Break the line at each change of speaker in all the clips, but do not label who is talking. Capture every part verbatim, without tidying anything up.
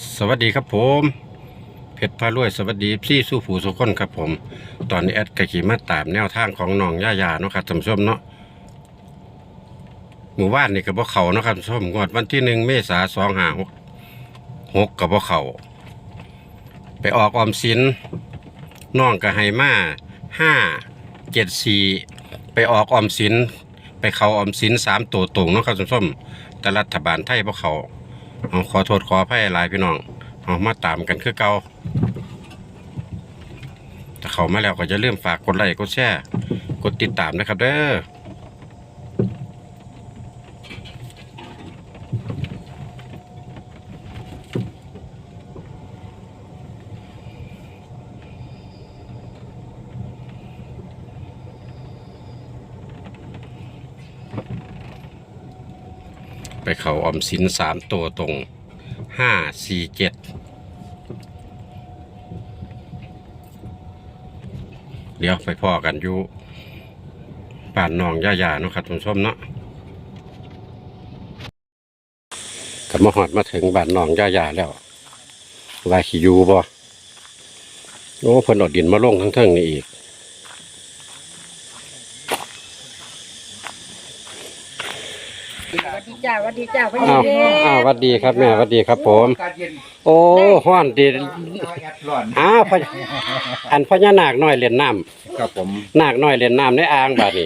สวัสดีครับผมเพชรพารวยสวัสดีพี่สู้ผู้สุขคนครับผมตอนนี้แอดกะขี่มาตามแนวทางของน้องย่ายาเนาะครับท่านผู้ชมเนาะหมู่บ้านนี่กับบ่เขาเนาะครับท่านผู้ชมงวดวันที่หนึ่งเมษาสองห้าหกหกกับบ่เขาไปออกออมสินน้องกับไฮมาห้าเจ็ดสี่ไปออกออมสินไปเขาออมสินสามตัวตรงเนาะครับท่านผู้ชมแต่รัฐบาลไทยบ่เขาเอาขอโทษขออภัยหลายพี่น้องเอามาตามกันคือเก่าถ้าเข้ามาแล้วก็จะเริ่มฝากกดไลค์กดแชร์กดติดตามนะครับเด้อไปเขาออมสินสามตัวตรงห้าสี่เจ็ดเดี๋ยวไปพ่อกันอยู่บ้านน้องย่าๆเนาะครับท่านผู้ชมเนาะกับมาหอดมาถึงบ้านน้องย่าๆแล้วว่าขี่ยูบ่โอ้เพิ่นเอาดินมาลงทั้งเทิงนี่อีก
สวัสดีจ้าสวัสดีจ้าพ่อ
อ้าว
เด็ก
อ้าวสวัสดีครับแม่สวัสดีครับผมโอ้ฮ้อนดีอ้าวพญอันพญานาคน้อยเล่นน้ำ
ครับผม
นาคน้อยเล่นน้ำในอ่างบาดนี้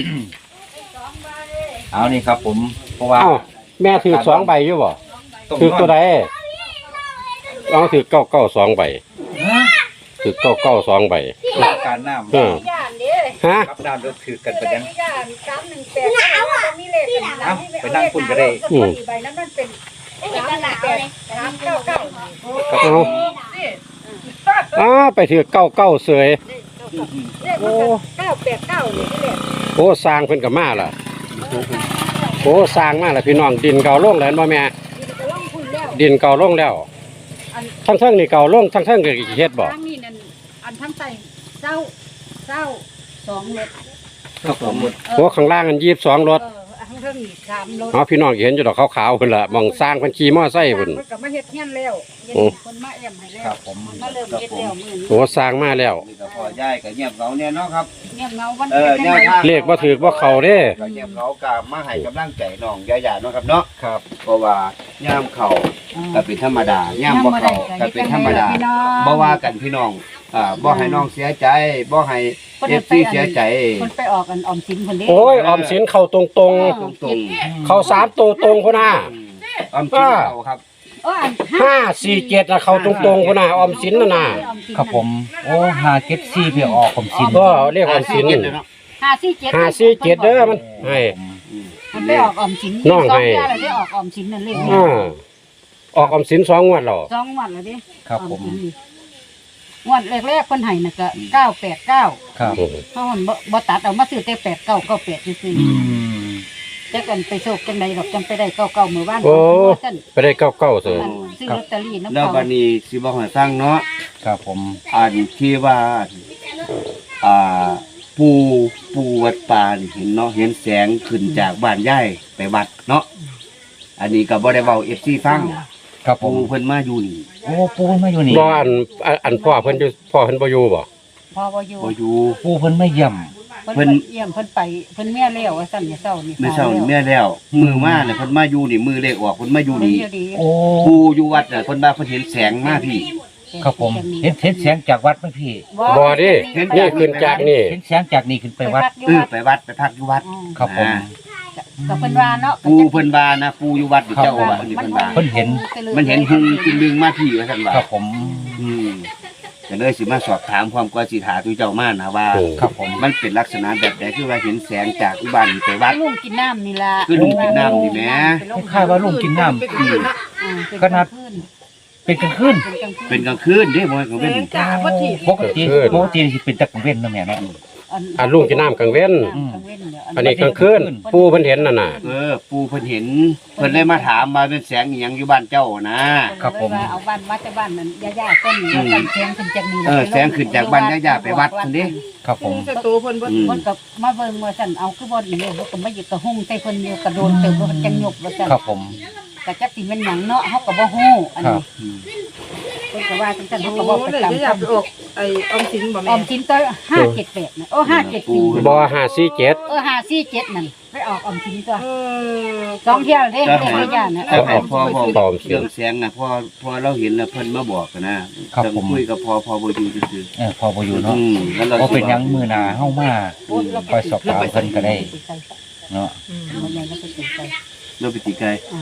เอานี่ครับผมเพราะว่า
เอ้าแม่ถือสองใบอยู่บ่
ต้อง
ถือตัวใดลองถือเก้าเก้าสองใบ
ฮะ
ถือเก้าเก้าสองใบ
การน้
เออ
ย่านเด้
ฮะ
ำรับน้ำรถถือกันไป
เล
ยัง
ขย่านสามหนึ่งแปดเอาอ่ะมีเลขกัน
เอาไปนั่งคุยกันได้
อืมใบนั้นมันเป็นสามหนึ่งแปดสามเก้าเก้า
เอาอ้าไปถือเก้าเก้าเสย
เลขมันเก้าแปดเก้านี่เลข
โอ้สร้างเพิ่นกับมาล่ะโอ้สร้างมาล่ะพี่น้องดินเก่าลงแล้วบ่แม่
ที่จะล่องคุณแล้ว
ดินเก่าลงแล้วทั้งเทิงนี่เก่าลงทั้งเทิงก็เฮ็ดบ่
ทางนี้นั่นอันทั้งใต้เจ้าเจ้าสองรถ
ครับผม
โอ้ข้างล่างอันยี่สิบสองรถ
เออทั้งเทิงนี่สามรถ
เนาะพี่น้องเห็นอยู่ดอกขาวๆพุ่นล่ะหม่องสร้างเพิ่นขี่มอไซค์พุ่น
เพิ่นก็มาเฮ็ดเฮียนแล้วเฮ็ด
โอ้
คนมาแอมให้แล้ว
ครับผม
มาเริ่มเฮ็ดแล้วมื้อนี้
โอ้สร้างมาแล้ว
นี่ก็พอย่ายกับเงียบเขาเนี่ยเนาะครับ
เงียบเงาวัน
เออ
ป็น
แน
จั
ว
งได
ทาง
เลขบ่ถือบ่เข้าเด้
ก็เงียบเขากับมาให้กำลังใจน้องยายาเนาะครับเนาะครับเพราะว่าย่ามเขาก็เป็นธรรมดาย่ามบ่เขาก็เป็นธรรมดาบ่ว่ากันพี่น้องอ่าบ่ให้น้องเสียใจบ่ให้เอฟซีเสียใจ
คนไปออกกันออมสินคนนี้
โอ้ยออมสินเข้าตรง
ตรง
ๆเข้าสามตัวตรงพุ่นน่ะ
ๆออมสินเขาครับ
เอออัน
ห้าสี่เจ็ดน่ะเข้าตรงๆพุ่นน่ะออมสินน่ะน่ะ
ครับผมโอ้หาเก็ตซี่เพื่อออกผมสิน
ก็เรียกออมสิน
ห้าสี่เจ็ด
ห้าสี่เจ็ดเด้อมันให้
มันไปออกออมสิน
น้องให้
สเดืแล้วได้ออกออมสินนั่นเลย
อ่าออกออมสินสองงวดแล้ว
สองวันแล้วดิ
ครับผม
ออสินนี่งวันแรกๆคนให้น่ะก็เก้าแปดเก้า
ครับ
เพราะมันบ่บ่ตัดเอามาซื้อแต่แปดเก้าเก้าแปดซื่อ
อืม
ๆจักกันไปโชคจังใดดอกจำไปได้เก้าเก้ามื้อวาน
โอ้
ท่าน
ไปได้เก้าเก้าเสย
อันซื้อลอตเตอรี่น้ำ
แล้ว
เขา
บัดนี้สิบ่ให้ฟังเนาะ
ครับผม
อันที่ว่าอ่าปูปูวัดป่านี่เห็นเนาะเห็นแสงขึ้นจากบ้านย่ายไปวัดเนาะอันนี้ก็บ่ได้เว้า เอฟ ซี ฟัง
ครับผ
ปู
ม
เพิ่นมาอยู่นี่
โอ้ปูเพิ่นมาอยู่นี่
บ่อันอันอันพ่อเพิ่นอยู่พ่อเพิ่นบ่อยู่บ่
พอบ่อยู่
บ่อยู่
ปูเพิ่นไม่เยี่ยม
เพิ่นเยี่ยมเพิ่นไปเพิ่นแม่แล้วว่าซั่นเนี่ยเช้านี่
เมื่อเช้านี่แม่แล้วมือมาเนี่ยเพิ่นมาอยู่นี่มือเลขออกเพิ่นมาอยู่
เพิ่น
นี่
อยู่ดี
โอ้
ปูอยู่วัดน่ะเพิ่นว่าเพิ่นเห็นแสงมาพี่
ครับผมเห็นเห็นเสียงจากวัดไหมพี่
บ่ดินี่ขึ้นจากนี่
เห็นเสียงจากนี่ขึ้นไปวัด
เออไปวัดไปพักอยู่วัด
ครับผม
อ่า
ก็เพิ่นว่าเนาะ
ปูเพิ่นว่านะปูอยู่วัดนี่เจ้าว่านี่เพิ่นว่า
เพิ่นเห็น
มันเห็นหุงกินดึงมาพี่ว่าซั่นว่า
ครับผม
อืมก็เลยสิมาสอบถามความกว่าสิถาตุเจ้ามานะว่า
ครับผม
มันเป็นลักษณะแบบใดคือว่าเห็นแสงจากอุบ้านนี่ไปวัด
ลุงกินน้ำนี่ล่ะ
คือลุงกินน้ำนี่แหม
คล้ายๆว่าลุงกินน้ำ
อืม
อ่าเป็
ขนาด
กลงคืน
เป็นกลางคืน
เป็นกลางคืน
เป็นกลางคืนเด้บ่แม่นกลางเว้น
จ้าบ่ที่
ปกติปกติสิเป็นตะกังเว้นเนาะแม่เนาะ
อันลุงกินน้ำกลางเว้น
กลางเว้นเดี๋ยว
อันนี้กลางคืนปู่เพิ่นเห็นน่ะน่ะ
เออ ปูเพิ่นเห็นเพิ่นเลยมาถามว่าเป็นแสงอีหยังอยู่บ้านเจ้านะ
ครับผม
เอาบ้านมาแต่บ้านนั้นย่าๆต้นนี้แล้วกันแสงขึ้นจากนี่
เออแสงขึ้นจากบ้านย่าๆไปวัดซั่นเด้
ครับผม
ศัตรูเพิ่นเพิ่นเพิ่นก็มาเบิ่งว่าซั่นเอาคือบ่อีเลยเพิ่นก็มาอยู่กระหุ่งใส่เพิ่นอยู่กระโดนเติมว่าจังหยกว่าซั่น
ครับผม
กก็จักสิแม่นหยังเนาะเฮาก็บ่ฮู้อัน
ครั
นี้
บ
อืม
เพิ่นก็ว่าจังซั่น
โอ้
เฮาก็บ่
โห
ประ
เลย
จำ
จะอยากไปออกไอ้ออมสินบ่
อ
แม่
อมสินตัวห้าเจ็ดแปดน่ะโอ้ห้าเจ็ดสี่
บ่ห้าสี่เจ็ด
เออห้าสี่เจ็ดนั่นไปออกออมสินตัว
เออ
สองเที่ยวเด้เด้ไม่ย่านน่ะ
ถ้าให้พ่อบอกเรื่องแสงน่ะพ่อพ่อเราเห็นแล้วเพิ่นมาบอกกันนะครับ ต้อง
ผม
คุยกับพ่อพ่อบ่อยู่ซื่อ
เออพอบ่อยู่
ๆ
เนาะ
อืมแล้วเรา
บ่เป็นหยังมื้อหน้าเฮามาคอยสอบถามเพิ่นก็ได้เนาะ
อืม
มันยังไม่เป็นไป
เราไปติไกล
อ่า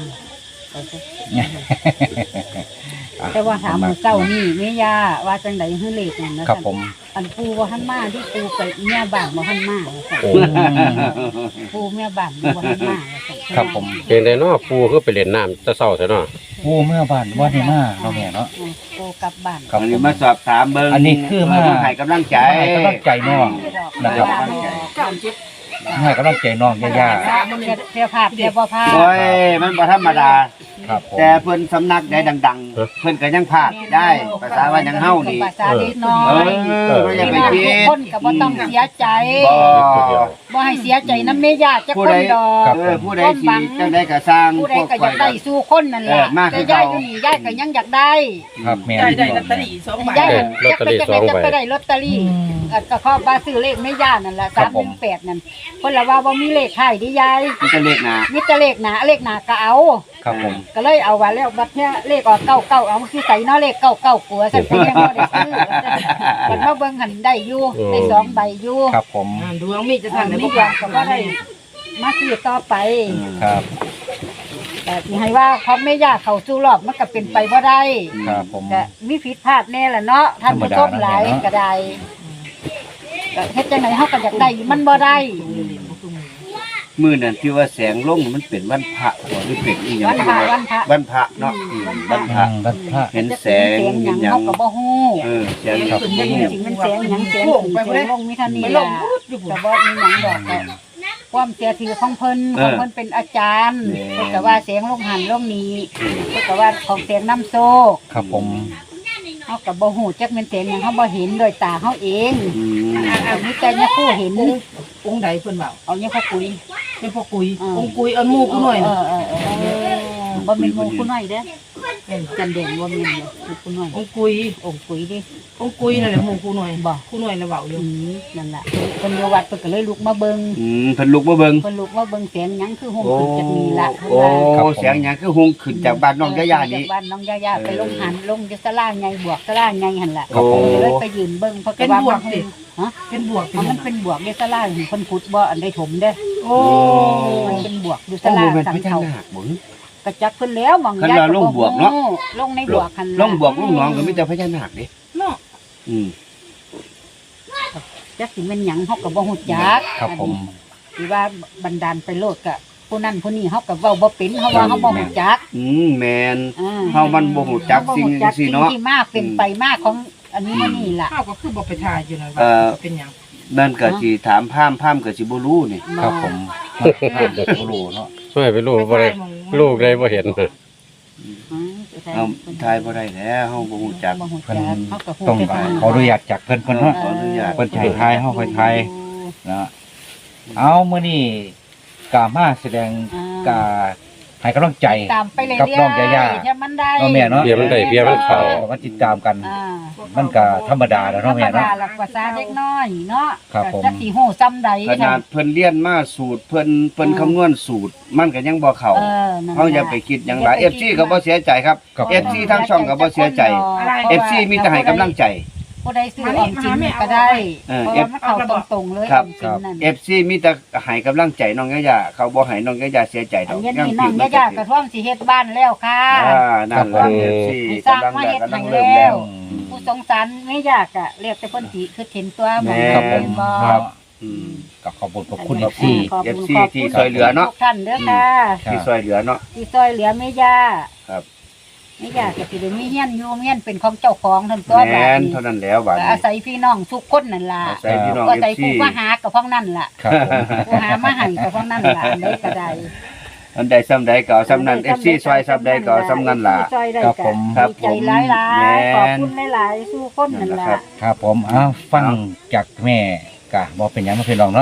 แต่ว่าถามมื้อเช้านี่แม่ย่าว่าจังได๋ฮือเลขนั่นนะครับ
ผม
อันปูบ่ทันมาที่ปูไปเมียบ้านบ่ทันมาว่าซั่น
โอ้
ปูเมียบ้านบ่ทันมาว่าซั่น
ครับผม
เป็นไดเนาะปูคือไปเล่นน้ำแตะเช้าซะเนาะ
ผู้เมื่อบ้านว่าได้มาเนาะแม่เนาะ
อืมปูกลับบ้าน
ครับ
อัน
ผ
นี้
ม
มาสอบถามเบิ่ง
อันนี้คือมา
ให้กำลังใจ
ให้กำลังใจน้องนะครับ
เก้าเจ็ด
ให้กำลังใจน้องย่า
สามเสียเสียภาพเสียบ่ภาพ
โอ้ยมันบ่ธรรมดา
ๆครับผม
แต่เพิ่นสำนักได้ดังๆ เพิ่นก็ยังพลาดได้ภาษาว่ายังเฮานี่
ภาษาเล็กน้อ
เอย อบ่อย่าไป
พี่น้อง
คิ
ทุก
ด
คนก็บ่ต้องเสียใจ
บ่
บ่ให้เสียใจนำแม่ย่าจัก
ผู้
ค
ใด
นดอก
เออผู้ใดสิจังได๋ก็สร้าง
ผู้ใด
พวก
ก็อ
ข่อย
ยากได้สู่คนนั่นแห
เอ
ละ
อมากคื
แต่
อเก่า
ยายอยู่นี่ยายก็ยังอยากได้
ครับแม่
ได้ได้ลอตเตอรี่สองใบ
ยายจักไปจักไปจักไปได้ลอตเตอรี่เอ่อก็ขอว่าซื้อเลขแม่ย่านั่นล่ะสามหนึ่งแปดนั่นเพิ่นละว่าบ่มีเลขท้ายดิยาย
มันจะเลขหน้า
มีแต่เลขหน้าเลขหน้าก็เอา
ครับผม
ก็เลยเอาว่าแล้วบัดเนี้ยเลขออกเก้าเก้าเอามาคือใส่เนาะเลขเก้าเก้ากลัวสั่นก็ยังบ่ได้ซื้อมันมาเบิ่งหันได้อยู่ได้สองใบอยู่
ครับผม
อ่าดวงมีจะ
ท่า
ทั
น
น
นี้
นี่
ยังก็บ่ได้มาซื้อต่อไป
ครับ
แต่ที่ให้ว่าเขาไม่ยากเข้าสู่รอบมันก็เป็นไปบ่ได้
ครับผม
แต่มีผิดพลาดแน่ล่ะเนาะท่านผู้ชมหลายก็ได้ก็เฮ็ดจังได๋เฮาก็อยากได้มันบ่ได้
มื้อนั้นที่ว่าแสงลงมันเป็นวันพระบ่หรือเป็นอีหยัง
วันพระวันพระ
วันพระเนาะอืมวันพ
ทา
ระ
งรัฐพระ
เห็นแสง
เสียงห
เห็
ยั
น
ง
หยัง
เฮาก็บ่ฮู้
เออแสง
ครับ
ขึ้น
จั
เงี
ง
ยบ
สิมันเสียงหยังเสียงขึ้นเสียงลงมีเท่านี้
ไปล
ล่ะ
งพูดอยู่
ก็บ่มีหยังดอกก็ความเสียถือของเพิ่นของเพิ่นเป็นอาจารย์เพิ่นก็ว่าเสียงลงหันลงนี้เพิ่นก็ว่าของเสียงน้ำโซก
ครับผม
เฮาก็บ่ฮู้จักแม่นเสียงหยังเฮาบ่เห็นด้วยตาเฮาเอง
อืม
อันนี้แต่เนี่ยผู้เห็น
องค์ใดเพิ่นเว้า
เอาเนี่ยเขาคุย
เป็นพ่อกุย
อ่า
องค์กุยเอาหมู่กูหน่อย
เอ
น่ะ
อเออเออเออบ่แม่นหมู่ผู้น้อยเด้อเออจันแดงบ่แม่นเลยหมู่ผู้น้อย
องค์กุย
องค์คุยดิ
องค์กุยนั่นแหละหมู่กูหน่อย
บ่
กูหน่อยน่ะเว้าอยู่
อืมนั่นล่ะเพิ่นอยู่วัดเพิ่นก็เลยลุกมาเบิ่ง
อืมเพิ่นลุกมาเบิ่ง
เพิ่นลุกมาเบิ่งเสียงหยังคือห่ม
โอ้
ขึ้นจากนี้ล่ะเพิ่น
โอ้
ว่า
เสียงหยังคือหุงขึ้นจากบ้านน้องยะยานี่
จากบ้านน้องยายาไปลงหันลงอยู่ศาลาใหญ่บวกศาลาใหญ่หั่นล่ะ
โอ้
เลยไปยืนเบิ่งเพราะ
เป็น
ว่า
บวก
มัน
สิ
ฮะ
เป็นบวกเป็น
เอา
ห
มั
ยัง
นเป็นบวกอยู่ศาลาเพิ่นขุดบ่อันใดถมเด้อ
โอ้
มันเป็นบวกอยู่ศา
โอ้
ลา
โหมัน
สัง
พญา
เขา
นาคบ่
กระจักเพิ่นแล้วหมอง
คัน
ยาย
ว่าลงบวกเนาะ
ลงในบวกคัน
ลงบวกลงหนองก็มีแต่พญานาคเด้
เนาะ
อืม
จักสิแม่นหยังเฮาก็บ่ฮู้จัก
ครับผม
สิว่าบันดาลไปโลดก็ผู้นั้นผู้นี้เฮาก็เว้าบ่เป็นเฮาว่าเฮาบ่ฮู้จัก
อืมแม่น
อ่า
เฮามันบ่ฮู้จักสิ่งจังซี่เนาะ
สิ่งที่มาเป็นไปมาของอันนี้มานี่ล่ะ
ข้าวก็คือบ่ไปทายอยู่นะ
เอ่อ
ว่าเป็นหยัง
นั่นก็สิถามพราหมณ์พราหมณ์ก็สิบ่รู้นี่
ครับผมโอ้โหเนาะ
ช่วยไปลูกบ่ได้ลูกได้บ่เห็น
อืม
เอาทายบ่ได้แล้วเฮาบ่ฮู้จัก
บ่ฮู้
เพิ่น
จักเฮาก็ฮู้
ต้อง
แต่ทาง
ขออนุญาตจากเพิ่นเพิ่นเนาะ
ขออนุญาต
เพิ่นจะให้ทายเฮาค่อยทายนะเอามื้อนี้กามาแสดงกาให้กำลังใจ
ตามไปเรื่อย
กับน้องยาย่า
ๆถ้ามันได้
เนาะแม่เนาะ
เบียร์มันได้เบียร์มันเข้า
ก็มาติดตามกัน
อ่า
มันก็ธรรมดาแล้ว
ธร
เนาะ
รม
แม่เนาะ
ดาหลักภาษาเด็กน้อยเนาะ
ครับผม
จักสิฮู้ซ้ำใด
ขนาดเพิ่นเรียนมาสูตรเพิ่นเพิ่นคำนวณสูตร มันก็ยังบ่เข้า
เออนั่น
เฮาอย่าไปคิดหยังหลาย เอฟ ซี ก็บ่เสียใจครับ
ครับ
เอฟ ซี ทั้งช่องก็บ่เสียใจ เอฟ ซี มีแต่ให้กำลังใจ
ผู้ใดซื้อออมสินก็ได้
เออ
เพราะว่ามันเข้าตรงๆเลย
ค
อ
รับ
อมสินนั่น
เอฟ ซี มีแต่ให้กำลังใจน้องยะยาเขาบ่ให้น้องยะยาเสียใจด
อั
อน ก
นี้
ยัง
นี่น้อง
ผิด
ยายากระท่อมสิเฮ็ดบ้านแล้วค่ะ
อ่านั่นล่ะ
ครับ
เอฟ ซี
ให้สร้าง
กำลัง
มา
ได้
เฮ็ด
กำลั
ให้
งเริ่ม
แล้
แล้ว ว
ผู้สงสารไม่ยากอะเรียกแต่เพิ่นสิคือเห็นตัวหมอง
แม่
ครับผม
บ่
ครับ
อืม
ก็ขอบคุณขอบคุณ
ขอบ
ที่
ขอบ
เอฟ
คุณ
ซี
ขอบ
ที่
คุณ
ช่วยเหลือเนาะ
ทุกท่านเด้อค่ะ
ครับ
ที่ช่วยเหลือเนาะ
ที่ซอยเหลือแม่ยา
ครับ
แม่ยาก็สิได้มีเฮียนอยู่เฮียนเป็นของเจ้าของทั้งตัว
แม่
บาด
น
นี้
เท่านั้นแล้วบาด
ก็
นี้
อาศัยพี่น้องทุกคนนั่นล่ะ
อาศัยพี่น้อง
ก็อาศัย
เอฟซี
ผู้มาหากับพ้องนั่นล่ะ
ครับผม
ผู้หามาให้กับพ้องนั่นล่ะอันใดก็ได้
อันใดซ้ำใดก็เอาซ้ำนั้น เอฟ ซี ช่วยซ้ำใดก็เอาซ้ำนั้นล่ะ
ซอยได้
ครับ
ก็
ผม
ครับ
ดีใจหลาย
แม่
ๆขอบคุณหลายๆสู้คนนั่นล่ะ
นั่นแหละครับ
ครับผมอ้าวฟังจากแม่กะบ่เป็นหยังบ่เป็นรองเนาะ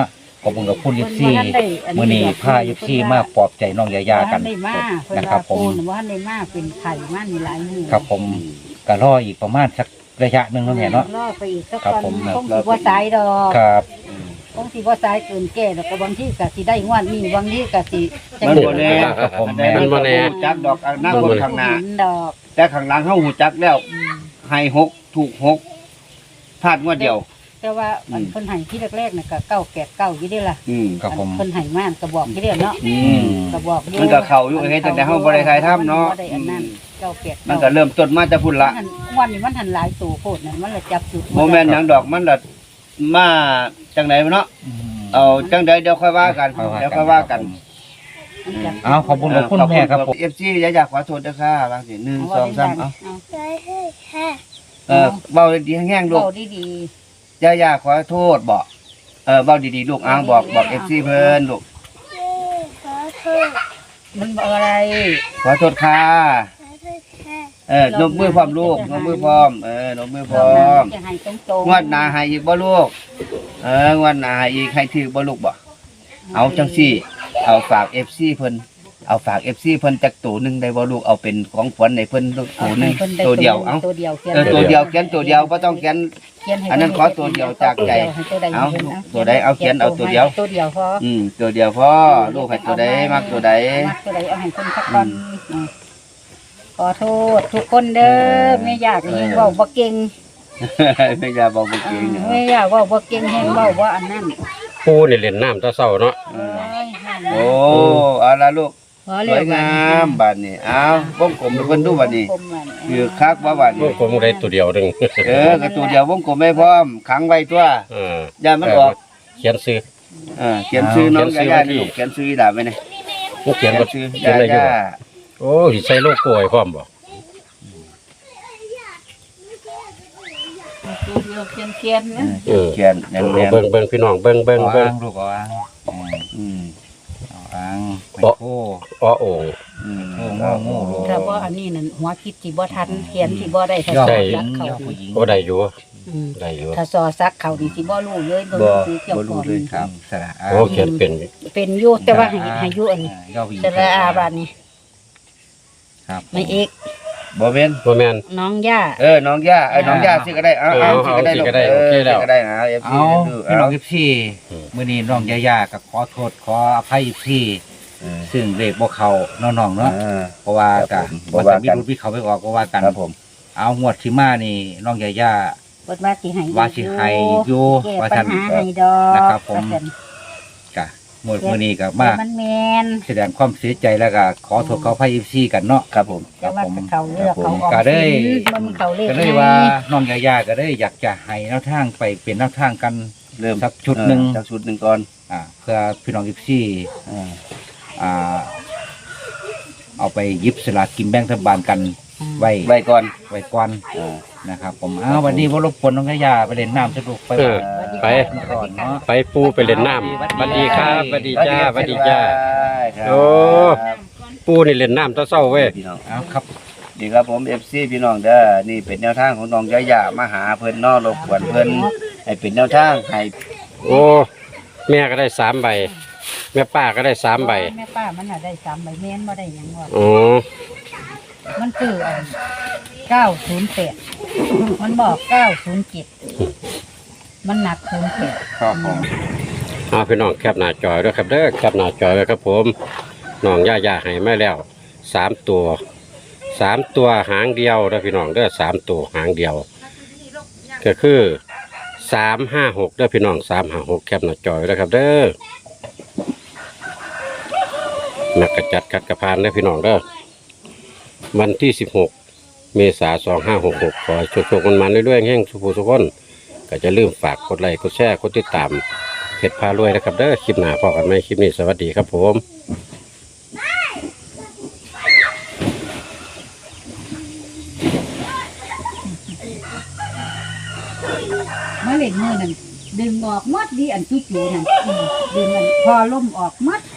ขอบคุณกับคุณยิปซีมื้อนี้พายิปซีมาปลอบใจน้องยายากัน
ได้มาเพิ่น
นะครั
ว่า
บผม
ปูนว่าได้มาเป็นไข่มานี่หลายมื้อ
ครับผมก็รออีกประมาณสักระยะหนึงเนาะแม่เนาะ
รอไปอีกสัก
ครับ
ก่อน
ผม
คงสิบ่สายดอก
ครับ
คงสิบ่สายเกินแก่แล้วก็บางทีก็สิได้งวดนี้บางทีก็สิจัง
มัน
ได้
บ่แน่
ครับผม
แต่มันบ่แน่จักดอกอนาคตข้างหน้า
เห็นดอก
แต่ข้างหลังเฮาฮู้จักแล้วให้หกถูกหกพลาดงวดเดียว
แต่ว่าอัน
อืม
เพิ่นให้ที่แรกๆน่ะก็เก้าแปดเก้าอยู่เด้ล่ะ
อืม
ครับผม
เพิ่นให้มาก็บอกอยู่เด้เนาะ
อืม
ก็บอกอยู่
มันก็เข้าอยู่เฮ็ดตั้งแต่เฮาบ่ได้ถ่ายทำเนาะ
บ่ได้อันนั้นเก้าแปด
มันก็เริ่มต้นมาแต่พุ่นละ
วันนี้มันหันหลายตัวโพดน่ะมันละจับจุด
โมแมนต์หยังดอกมันละมาจังไหนเนาะ
อืม
เอาจังใดเดี๋ยวค่อยว่ากันเดี๋ยวค่อยว่ากัน
มันจับจุด
เอาขอบคุณขอบคุณแม่ครับผม
เอฟซีอยากขอโทษด้วยค่ะบางทีหนึ่งสองสามเอา
เอา
เออเบาดีๆแห้งๆลูก
เบาดี
อย่าอยากขอโทษบอกเออเบาดีๆลูกอ้างบอกบอกเอฟซีเพิ่นลูก
ๆมันบอกอะไร
ขอโทษค่ะเออนมมือพร้อมลูกนมมือพร้อมเออนมมือพร้อม
จะให้ตรงๆ
งวดหน้าให้อีกบ่ลูกเอองวดหน้าให้อีกให้ถือบ่ลูกบ่เอาจังซี่ เอาฝากเอฟซีเพิ่นเอาฝากเอฟซีเพิ่นจักตัวหนึงได้บ่ลูกเอาเป็นของขวัญให้เพิ่นตัวหนึงตัวเดียวเอา
ตัวเดียวขีน
เออตัวเดียวเขียนตัวเดียวบ่ต้องเขียน
เขียให้
อันนั้นขอตัวเดียวจากใจ
ให้ตัวใด
เอา
ให้
ตัวใดเอาเขียนเอาตัวเดียว
ตัวเดียวพอ
อืมตัวเดียวพอลูกให้ตัวใดมักตัวใด
มักตัวใดเอาให้คนสักก่อนอ่ะขอโทษทุกคนเด้อไม่อยากให้เว้าบ่เก่ง
ไม่อยากบอกบ่เก่ง
เออไม่อยากเว้าบ่เก่งแฮงเว้าว่าอันนั้น
ปูนี่เล่นน้ำตะเศร้าเนาะ
เอ้ยนั่น
โอ้เอาละลูก
พอ
ส
แล้ว
วยงามบัดนี้เอาวงกลมให้เพิ่นดูบัดนี้คือคักว่าบัด
พว
นี้
กผมได้ตัวเดียวหนึง
เออก็ตัวเดียววงกลมไม่พร้อมขังไว้ตัว
เออ
อย่ามันออก
เขียนซื้อ
เออเขียนชื่อน้อง
เขียนชื่อ
ย่า
ไว้
ๆ
ที่
นี่ลูกเขียนชื่อดาบไว้นี่
มันเขียนบ่
ชื่อ
เขียนได้อยู่
ย่า
บ่โอ้สิใส่โลโก้ให้พร้อมบ่
เขียนเขียนๆนะ
เออเขียนแน่
เอา
น
เบิ่งเบิ่งพี่น้องเบิ่งเบิ่ง
เอา
เบิ่ง
อ่างลูกเอาอ่างอืม
ๆอืม
เอาอ่างไม่
โอ๊ะ
โอ้
อ้อโอ่ง
อืม
โอ้โง่โง่โง่
ถ้าบ่อันนี้นั่นหัวคิดสิบ่ทันเขียนสิบ่ได้ถ้า
ย่อ
สอ
ผู้หญิ
ซั
ง
กเขา
ย่อผู้หญิง
โอ้ได้อยู่
อืม
ได้อยู่
ถ้าสอซักเขานี่สิบ่รู้เลยบ่
บ่
รู้คือเจ้า
บ่
ข
รู้
อง
เลยครับ
สระอา
โอ้เขียนเป็น
เป็นอยู่แต่ว่าให้ให้อยู่อันนี้
ย่อผู้หญิง
สระอาบาดนี้
ครับ
ไม่เอก
บ่แม่น
บ่แม่น
น้องย่า
เออน้องย่าเอ้ยน้องย่าสิก็ได้เอา
เออ
เอาสิก็ได้
เอาสิ
ลูก
ก็ได้
เอ
โอ
อ
เคแล้ว
สิก็ได้หา เอฟ ซี
เอา
ดู
พี่น้
เอา
องยิปซี่
อืม
มื้อนี้น้องยายากับขอโทษขออภัยยิปซี่
เออ
ซึ่งเลขบ่เข้าน้องๆเนาะ
เออ
เพราะว่า
ครั
กะ
บผม
มัน
บ่ว่า
จะมี
กัน
รุดมีเขาไปออกก็ว่ากัน
ครับผม
เอางวดที่มานี่น้องยายา
เปิดว่าสิให้
ว่าสิให้อยู่
แก้
ว่า
ปั
ท่า
ญ
น
หาให้ดอก
นะครับผม
ว่าซั่น
กะงวดมื้อนี้ก็
แต่
มา
มันแม่น
แสดงความเสียใจแล้วก็ขอโทษขออภัยยิปซี่กันเนาะ
ครับผม
แต่ว่าเขาเลือกเขาออก
ก็ได้
สินมันเขาเลข
ก็เลยว่าน้องยายาก็ได้อยากจะให้แนวทางไปเป็นแนวทางกัน
เริ่ม
สักชุดหนึ่ง
เออสักชุดหนึ่งก่อน
อ่าเพื่อพี่น้องยิปซี่
เออ
อ่า เอาไปหยิบสลากกินแบ่งรัฐบาลกันไว้
ไว้ก่อน
ไว้ก่อน
เออ
นะครับ ผมอ้าววันนี้ว่ารบกวนน้องยายาไปเล่นน้ำสนุกไป
เออ
ส
ไป
วัสดี
ก่อนเนาะ
ไปปูไปเล่นน้ำสวัสดีครับสวัสดีจ้าสวัสดีจ้า
ครับ
โอ้ ปูนี่เล่นน้ำตะเศร้าเว้ย
พี่น้อง
เอาครับ
ดีครับผม เอฟ ซี พี่น้องเด้อนี่เป็นแนวทางของน้องยายามาหาเพิ่นเนอรบกวนเพิ่นให้เป็นแนวทางให้
โอ้แม่ก็ได้สามใบ แม่ป้าก็ได้สามใบ
แม่ป้ามันน่ะได้สามใบแม่นบ่ได้หยังว่า
อ๋อ
มันคืออันเก้าศูนย์แปดมันบอกเก้าศูนย์เจ็ดมันหนักศูนย์แปด
ครับผม
เอาพี่น้องแคปหน้าจอยด้วยครับเด้อแคปหน้าจอยไว้ครับผมน้องย่าย่าให้มาแล้วสามตัวสามตัวหางเดียวนะพี่น้องเด้อสามตัวหางเดียว ก็คือสามห้าหกเด้อพี่น้องสามห้าหกแคปหน้าจอยด้วยครับเด้อนักกระจัดคัดกระพานเด้อพี่น้องเด้อวันที่สิบหกเมษาสองห้าหกหกขอให้โชคๆมันมันเรื่อยๆแห่งสุภูสุขคนก็จะลืมฝากกดไลค์กดแชร์กดติดตามเพจพารวยนะครับเด้อคลิปหน้าพอกันไหมคลิปนี้สวัสดีครับผม
เมื่อเล่นมือนั่นดึงออกหมดดีอันจุ๊จูนั่นอืมดึงอันพอล่มออกหมด